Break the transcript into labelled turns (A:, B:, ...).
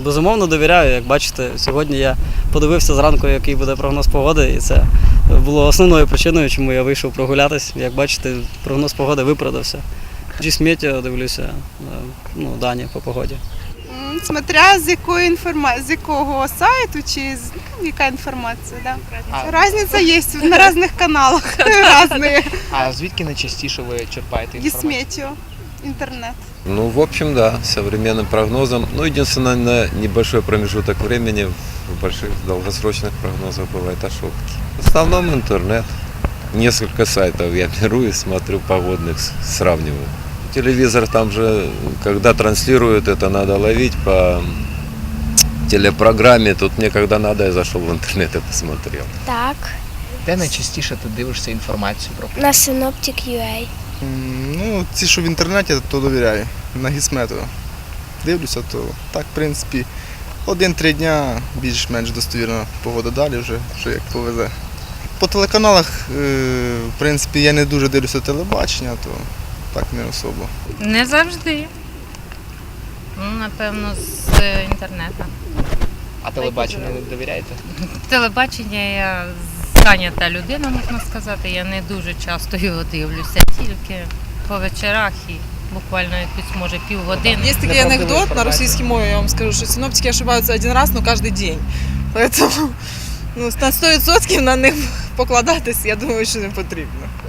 A: Безумовно довіряю. Як бачите, сьогодні я подивився зранку, який буде прогноз погоди, і це було основною причиною, чому я вийшов прогулятись. Як бачите, прогноз погоди виправдався. Meteo дивлюся, дані по погоді.
B: Смотря з якого сайту чи яка інформація, да. Разниця є на різних каналах. Різні.
C: А звідки найчастіше ви черпаєте інформацію?
B: Meteo, интернет.
D: Ну, в общем, да, современным прогнозом. Ну, единственное, на небольшой промежуток времени в больших долгосрочных прогнозах бывают ошибки. В основном интернет. Несколько сайтов я беру и смотрю погодных, сравниваю. Телевизор там же, когда транслируют, это надо ловить по телепрограмме. Тут мне, когда надо, я зашел в интернет и посмотрел.
E: Так,
C: Де найчастіше ти дивишся інформацію про погоду?
E: на Synoptic.ua.
F: Ну, ті, що в інтернеті, то довіряю. На Гісметео. Дивлюся, то так, в принципі, 1-3 дня більш-менш достовірна погода, далі вже, що як повезе. По телеканалах, в принципі, я не дуже дивлюся телебачення, то так не особо.
G: Не завжди. Ну, напевно, з інтернету.
C: А телебаченню не довіряєте?
G: Телебачення я зайнята людина, можна сказати. Я не дуже часто його дивлюся, тільки по вечорах і буквально якусь, може, півгодини.
H: Есть такой анекдот на российской мове, я вам скажу, что синоптики ошибаются один раз, но каждый день. Поэтому на 100% на них покладатись, я думаю, що не потрібно.